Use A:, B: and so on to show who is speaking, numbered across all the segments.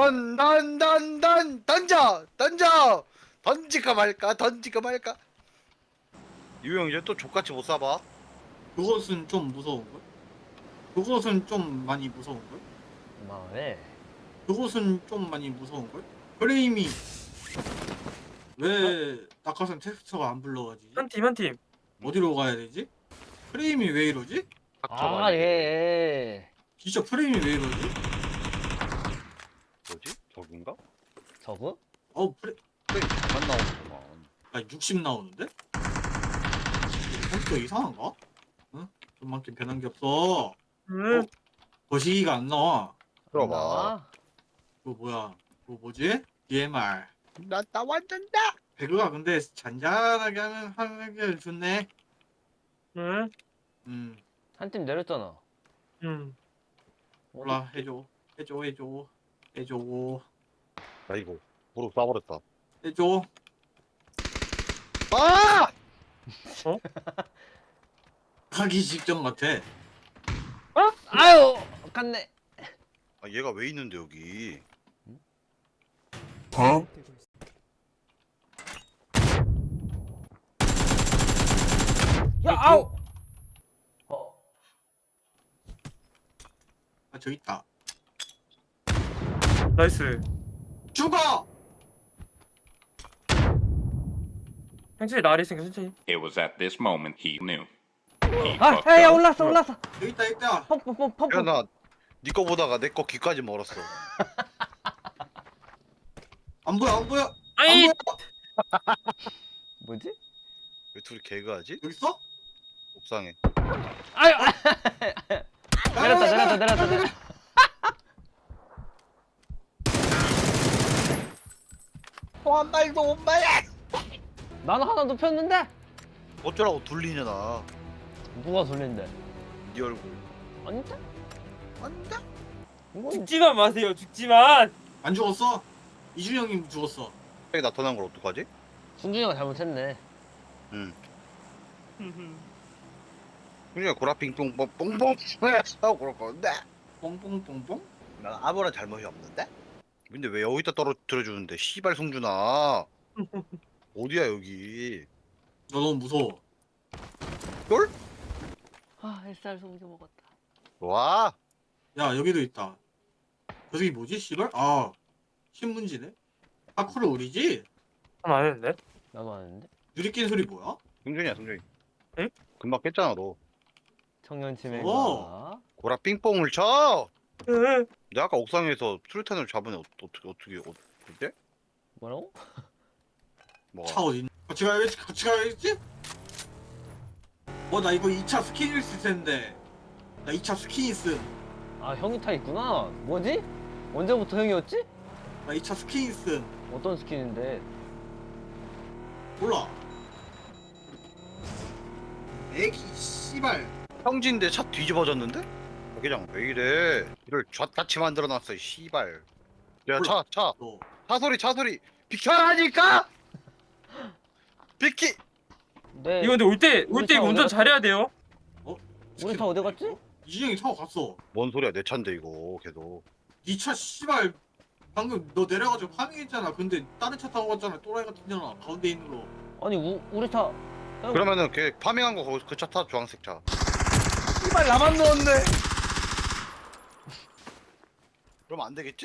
A: 던져 던질까 말까 던질까 말까. 유형 이제 또 족같이 못 쏴봐.
B: 그것은 좀 무서운걸? 그것은 좀 많이 무서운걸?
C: 그만해.
B: 그것은 좀 많이 무서운걸? 프레임이 왜 낙하산 텍스처가 안 불러가지지?
D: 한 팀, 한 팀.
B: 어디로 가야 되지? 프레임이 왜 이러지?
A: 닥쳐봐.
C: 아,
A: 이제.
C: 예.
B: 진짜 프레임이 왜 이러지?
A: 뭐지? 저긴가?
C: 저거?
B: 프레임
A: 안 나오구만.
B: 아 60 나오는데? 컴퓨터 이상한가? 응? 좀만큼 변한 게 없어.
D: 응.
B: 거시기가 안 나와.
A: 들어봐.
C: 나와?
B: 그거 뭐야? 그거 뭐지? DMR.
A: 나 완전 나.
B: 배그가 근데 잔잔하게 하는 게 좋네.
D: 응.
B: 음,
C: 한 팀 내렸잖아.
D: 응.
B: 몰라 해줘. 해줘.
A: 아이고 무릎 쏴버렸다.
B: 해줘.
A: 아!
B: 하기 직전 같아.
C: 아유, 갔네.
A: 아 얘가 왜 있는데 여기?
C: 야, 아우. 어,
B: 아 저기 있다.
D: 나이스.
B: 죽어!
D: 천천히 나리 있으니까 천천히.
E: It was at this moment he knew. He
C: 아,
E: fucked
C: 야,
E: up.
C: 올랐어.
B: 여기 있다.
C: 펌프.
A: 야나 니 거 보다가 내 거 귀까지 멀었어.
B: 안 보여.
D: 아이!
B: 안 보여.
C: 뭐지?
A: 왜 둘이 개그하지?
B: 여기 있어?
A: 옥상에.
C: 아유, 내렸다.
A: 한 발도 엄마야.
C: 나는 하나 눕혔는데?
A: 어쩌라고 둘리냐.
C: 누가 돌린대?
A: 네 얼굴.
C: 아닌데?
A: 안돼.
C: 이건
D: 죽지만 마세요, 죽지만!
B: 안 죽었어? 이준이 형님 죽었어.
A: 여기 나타난 걸 어떡하지?
C: 순준이가 잘못했네.
A: 응. 그냥 고라핑 뽕뽕 뽕뽕 하고 그럴 건데.
B: 뽕뽕뽕뽕?
A: 난 아무런 잘못이 없는데? 근데 왜 여기다 떨어뜨려주는데 씨발 송준아. 어디야 여기?
B: 너 너무 무서워.
A: 쫄?
C: 아, 햇살 속여 먹었다.
A: 와.
B: 야 여기도 있다. 저 새끼 뭐지 씨발? 아 신문지네? 파쿠르 우리지?
D: 하나 안 했는데?
C: 나도 아는데?
B: 누리끼는 소리 뭐야?
A: 송준이야 송준이.
D: 응?
A: 금방 깼잖아 너.
C: 청년 치매가.
A: 고라 삥뽕을 쳐.
D: 응.
A: 내가 아까 옥상에서 수류탄을 잡으면 어떻게?
C: 뭐라고?
A: 뭐?
B: 차 어디 있 같이 가야겠지? 나 이거 2차 스킨 있을 텐데. 나 2차 스킨 있음.
C: 아, 형이 타 있구나. 뭐지? 언제부터 형이었지?
B: 나 2차 스킨 있음.
C: 어떤 스킨인데?
B: 몰라. 애기 씨발.
A: 형진데 차 뒤집어졌는데? 자기장 왜 이래? 이를 좌같이 만들어놨어 이 씨발. 야
B: 몰라.
A: 차
B: 너
A: 차소리 비켜라니까. 비키.
C: 네.
D: 이거 근데 올 때
C: 우리
D: 이거
C: 차
D: 운전
C: 어디
D: 잘해야 돼요.
C: 우리 차 어디 갔지?
B: 이준이 형이 타고 갔어.
A: 뭔 소리야 내 차인데 이거 걔도.
B: 니 차 씨발 방금 너 내려가지고 파밍했잖아. 근데 다른 차 타고 갔잖아. 또라이 같은 년아. 가운데 있는 거.
C: 아니, 우리 차. 형,
A: 그러면은 걔 파밍한 거 그 차 타 주황색 차.
C: 씨발 나만 넣었네.
A: 그러면 안 되겠지?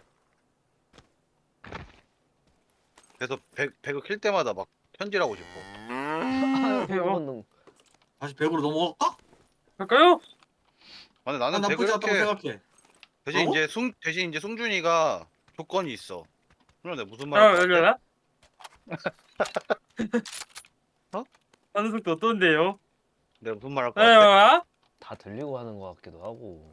A: 그래서 배그 킬 때마다 막 편지하고 싶어.
C: 아유,
D: 그래요?
C: 본능.
B: 다시 100으로 넘어갈까?
D: 갈까요?
A: 아니
B: 난
A: 나는 배그
B: 나쁘지 않다고
A: 이렇게
B: 생각해.
A: 대신
B: 어?
A: 이제 송준이가 조건이 있어. 그럼 내가 무슨
D: 아,
A: 말을
D: 열려나?
A: 어?
D: 하는 속도 어떤데요?
A: 내가 무슨 말 할 것
D: 아,
A: 같아?
D: 아?
C: 다 들리고 하는 것 같기도 하고.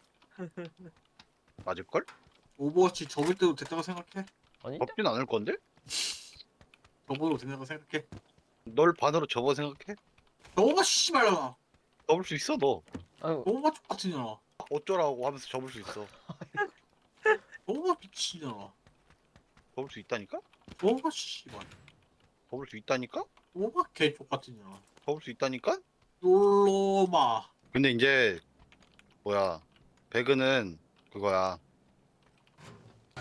A: 맞을걸?
B: 오버워치 접을 때도 됐다고 생각해.
C: 아닌데?
A: 접진 않을 건데?
B: 접어도 된다고 생각해.
A: 널 반으로 접어 생각해?
B: 너가 씨발려나.
A: 접을 수 있어 너.
C: 아유,
B: 너가 똑같은 년아.
A: 어쩌라고 하면서 접을 수 있어.
B: 너가 미친 년아.
A: 접을 수 있다니까?
B: 너가 씨발.
A: 접을 수 있다니까?
B: 너가 개족 같은 년아.
A: 접을 수 있다니까?
B: 놀로마.
A: 근데 이제 뭐야 배그는 그거야.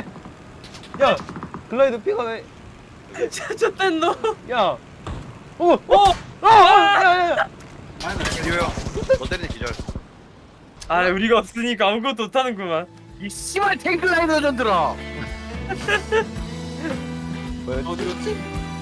C: 야 글라이더 피가 왜?
D: 진짜 뗀 너.
C: 야. 야야야.
B: 아니 나
A: 기회야. 너 때리는 기절.
D: 아 우리가 없으니까 아무것도 못하는구만.
A: 이 씨발 탱글라이더 전들아.
B: 어디 갔지?